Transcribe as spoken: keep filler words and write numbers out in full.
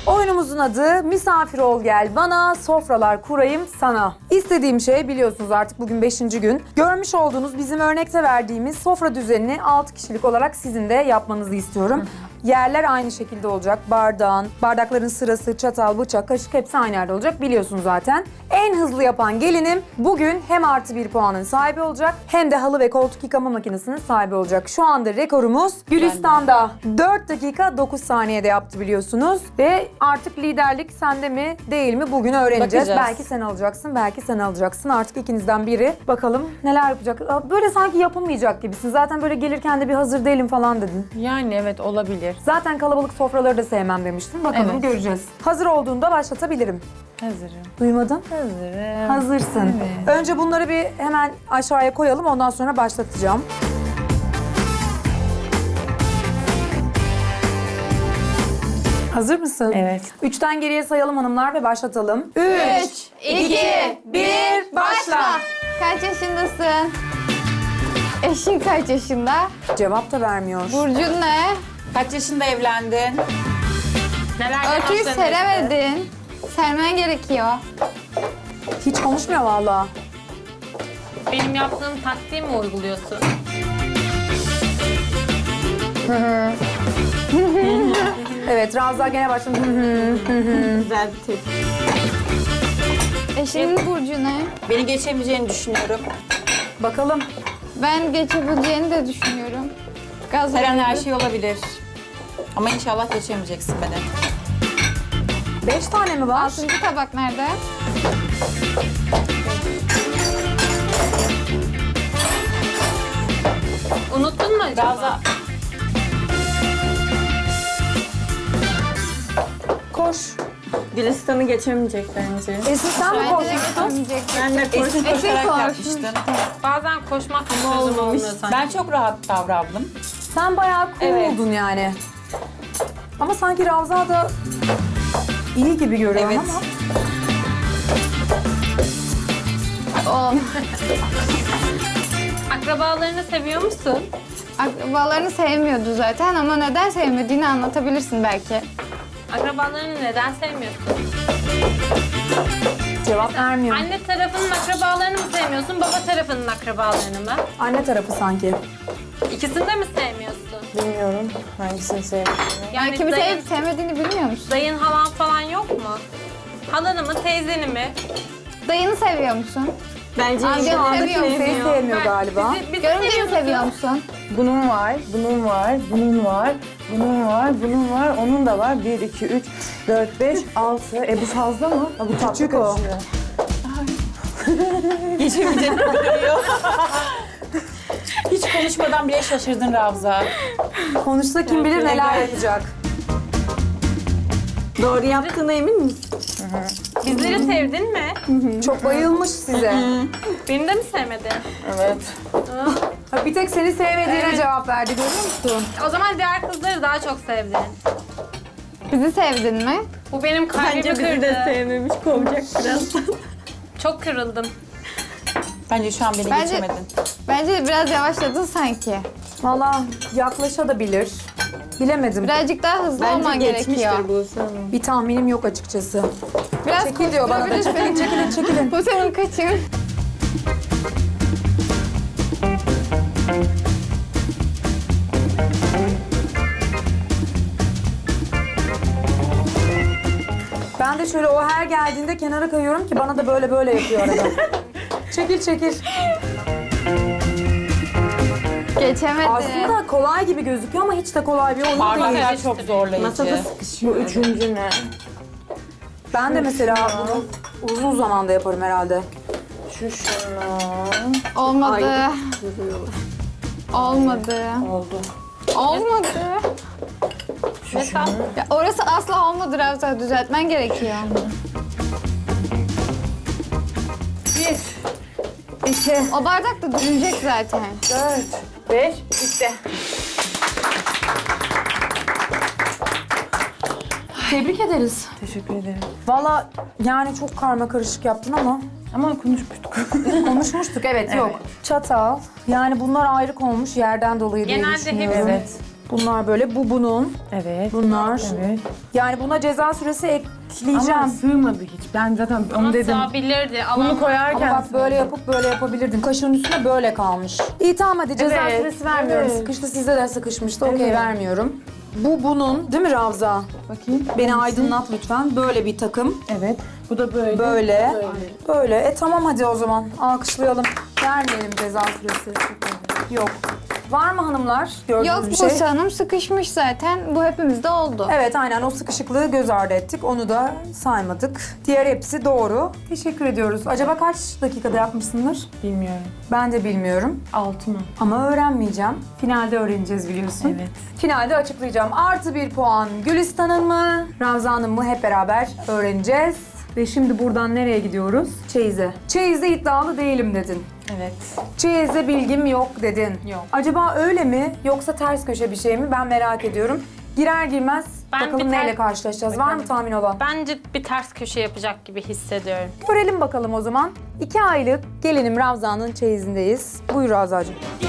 Oyunumuzun adı Misafir ol gel bana, sofralar kurayım sana. İstediğim şey biliyorsunuz artık bugün beşinci gün. Görmüş olduğunuz bizim örnekte verdiğimiz sofra düzenini altı kişilik olarak sizin de yapmanızı istiyorum. Hı hı. Yerler aynı şekilde olacak. Bardağın, bardakların sırası, çatal, bıçak, kaşık hepsi aynı yerde olacak. Biliyorsunuz zaten. En hızlı yapan gelinim bugün hem artı bir puanın sahibi olacak hem de halı ve koltuk yıkama makinesinin sahibi olacak. Şu anda rekorumuz Gülistan'da dört dakika dokuz saniyede yaptı biliyorsunuz. Ve artık liderlik sende mi değil mi bugün öğreneceğiz. Bakacağız. Belki sen alacaksın, belki sen alacaksın. Artık ikinizden biri. Bakalım neler yapacak. Böyle sanki yapılmayacak gibisin. Zaten böyle gelirken de bir hazır değilim falan dedin. Yani evet olabilir. Zaten kalabalık sofraları da sevmem demiştin. Bakalım Evet. göreceğiz. Hazır olduğunda başlatabilirim. Hazırım. Duymadın? Hazırım. Hazırsın. Evet. Önce bunları bir hemen aşağıya koyalım. Ondan sonra başlatacağım. Hazır mısın? Evet. Üçten geriye sayalım hanımlar ve başlatalım. Üç, iki, bir, başla. Kaç yaşındasın? Eşin kaç yaşında? Cevap da vermiyor. Burcun ne? Kaç yaşında evlendin? Neler Örtüyü seremedin. Sermen gerekiyor. Hiç konuşmuyor vallahi. Benim yaptığım taktiği mi uyguluyorsun? Evet, Ravza gene başladı. Hı hı, hı hı. Güzel bir tepki. Eşinin burcu ne? Beni geçemeyeceğini düşünüyorum. Bakalım. Ben geçebileceğini de düşünüyorum. Gaz Her an her verici. şey olabilir. Ama inşallah geçemeyeceksin beni. Beş tane mi var? Altıncı tabak nerede? Unuttun mu acaba? Ravza, Koş. Gülistan'ı geçemeyecek bence. Esin sen mi Bence de koşmuştun? geçemeyecek. Ben de eski Eski koşarak koşmuş. yapmıştın. Bazen koşmak çözüm olmuyor sanki. Ben çok rahat davrandım. Sen bayağı cool Evet. oldun yani. Ama sanki Ravza da iyi gibi görüyorum Evet. ama. O. Akrabalarını seviyor musun? Akrabalarını sevmiyordu zaten ama neden sevmediğini anlatabilirsin belki. Akrabalarını neden sevmiyorsun? Cevap vermiyor. Anne tarafının akrabalarını mı sevmiyorsun, baba tarafının akrabalarını mı? Anne tarafı sanki. İkisini de mi sevmiyorsun? Bilmiyorum hangisini sevdiğini. Yani Yani kimi dayın, sevip sevmediğini bilmiyor musun? dayın halan falan yok mu? Halanı mı, teyzeni mi? Dayını seviyor musun? Bence Amcanı şu anda seviyor musun? Kimseyi sevmiyor galiba. Bizi, bizi Görümceyi seviyor seviyor musun? musun? bunun var, bunun var, bunun var, bunun var, bunun var, onun da var. Bir, iki, üç, dört, beş, altı. E bu fazla mı? Ha, bu tatlı Küçük o. kaçıyor. Geçemeyeceğini biliyor. Hiç konuşmadan bile şaşırdın Ravza. Konuşsa kim bilir neler yapacak. Doğru yaptığına emin misin? Bizleri sevdin mi? Çok bayılmış size. Beni de mi sevmedin? Evet. Ha, bir tek seni sevmediğine Evet. cevap verdi görüyor musun? O zaman diğer kızları daha çok sevdin. Bizi sevdin mi? Bu benim kalbimi Bence bizi kırdı. de sevmemiş, kovacak birazdan. Çok kırıldım. Bence şu an beni Bence- geçemedin. Bence biraz yavaşladın sanki. Valla yaklaşabilir. Bilemedim. Birazcık daha hızlı olman gerekiyor. bu sana. Bir tahminim yok açıkçası. Biraz Çekil diyor bana da. Çekilin, koşturabilirsin. çekilin, çekilin. Bu senin kaçın. Ben de şöyle o her geldiğinde kenara kayıyorum ki bana da böyle böyle yapıyor arada. Çekil, çekil. Geçemedi. Aslında kolay gibi gözüküyor ama hiç de kolay bir oyun değil. Parmaklar çok zorlayıcı. Masada sıkışıyor. Bu üçüncü ne? Ben de mesela bunu uzun zamanda yaparım herhalde. Şu şunu. Olmadı. Olmadı. Oldu. Olmadı. Mesela Ya orası asla olmadı Ravza. Düzeltmen gerekiyor. Bir, iki, O bardak da dönecek zaten. dört, beş, bitti. Tebrik ederiz. Teşekkür ederim. Valla yani çok karma karışık yaptın ama Ama konuşmuştuk. konuşmuştuk evet, yok. Çatal yani bunlar ayrık olmuş yerden dolayı diye Genelde düşünüyorum. hepsi- Evet. Bunlar böyle, bu bunun. Evet. Bunlar. Evet. Yani buna ceza süresi ekleyeceğim. Ama sığmadı hiç. Ben zaten onu dedim. Sığabilirdi. Bunu Alan koyarken Ama bak böyle yapıp böyle yapabilirdin. Kaşığın üstüne böyle kalmış. İyi tamam hadi ceza Evet, süresi vermiyorum. evet. Sıkıştı, sizde de sıkışmıştı. Okey, Evet. vermiyorum. Bu bunun değil mi Ravza? Bakayım. Beni aydınlat lütfen. Böyle bir takım. Evet. Bu da böyle. Böyle. Böyle. Böyle. E tamam hadi o zaman. Alkışlayalım. Vermeyelim ceza süresi. Yok. Var mı hanımlar? Gördüğünüz Yok bir şey. Buse Hanım sıkışmış zaten. Bu hepimizde oldu. Evet aynen o sıkışıklığı göz ardı ettik. Onu da saymadık. Diğer hepsi doğru. Teşekkür ediyoruz. Acaba kaç dakikada yapmışsındır? Bilmiyorum. Ben de bilmiyorum. Altı mı? Ama öğrenmeyeceğim. Finalde öğreneceğiz biliyorsun. Evet. Finalde açıklayacağım. Artı bir puan Gülistan'ın mı, Ravza'nın mı hep beraber öğreneceğiz. Ve şimdi buradan nereye gidiyoruz? Çeyiz'e. Çeyiz'de iddialı değilim dedin. Evet. Çeyiz'de bilgim yok dedin. Yok. Acaba öyle mi yoksa ters köşe bir şey mi? Ben merak ediyorum. Girer girmez Ben bakalım bir ter- neyle karşılaşacağız. Var mı tahmin olan? Bence bir ters köşe yapacak gibi hissediyorum. Görelim bakalım o zaman. İki aylık gelinim Ravza'nın çeyizindeyiz. Buyur Ravza'cığım.